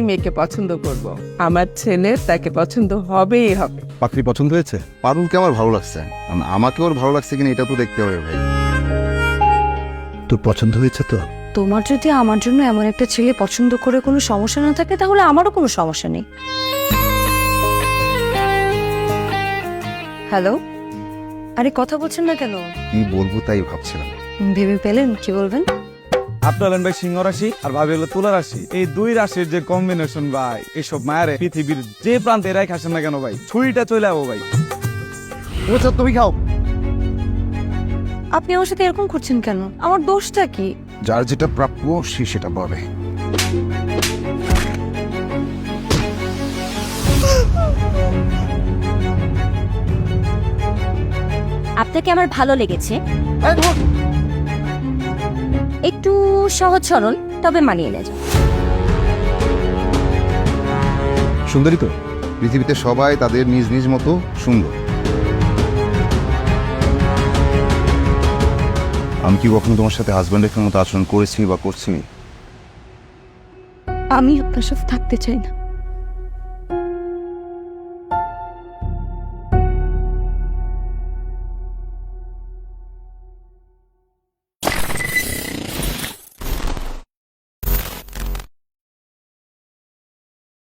মেয়েকে পছন্দ করব। আমার ছেলে তাকে পছন্দ হবেই হবে। পাত্রী পছন্দ হয়েছে? পারুলকে আমার ভালো লাগছে, আমাকে ওর ভালো লাগছে কিনা এটা তো দেখতে হবে ভাই। তোর পছন্দ হয়েছে তো? তোমার যদি আমার জন্য এমন একটা ছেলে পছন্দ করে কোনো সমস্যা না থাকে তাহলে আমারও কোনো সমস্যা নেই। হ্যালো, আরে কথা বলছেন না কেন? কি বলবো তাই ভাবছিলাম। ভেবে পেলেন কি বলবেন? আপনার হলেন ভাই সিংহ রাশি আর ভাবি হলো তুলা রাশি। এই দুই রাশির যে কম্বিনেশন ভাই, এইসব মায়ের পৃথিবীর যে প্রান্তে এরাই খাসেন না কেন ভাই, ছুরিটা চলে যাবো ভাই। তুমি খাও। আপনি আমার সাথে এরকম করছেন কেন? আমার দোষটা কি? যার যেটা প্রাপ্য সে সেটা পাবে। আপনাকে আমার ভালো লেগেছে, একটু সহজ সরল তবে মানিয়ে নেয়। সুন্দরী তো, পৃথিবীতে সবাই তাদের নিজ নিজ মতো সুন্দর। আমি কি কখনো তোমার সাথে হাজব্যান্ডের মতো আচরণ করেছি বা করছি? আমি আপনার সাথে থাকতে চাই না।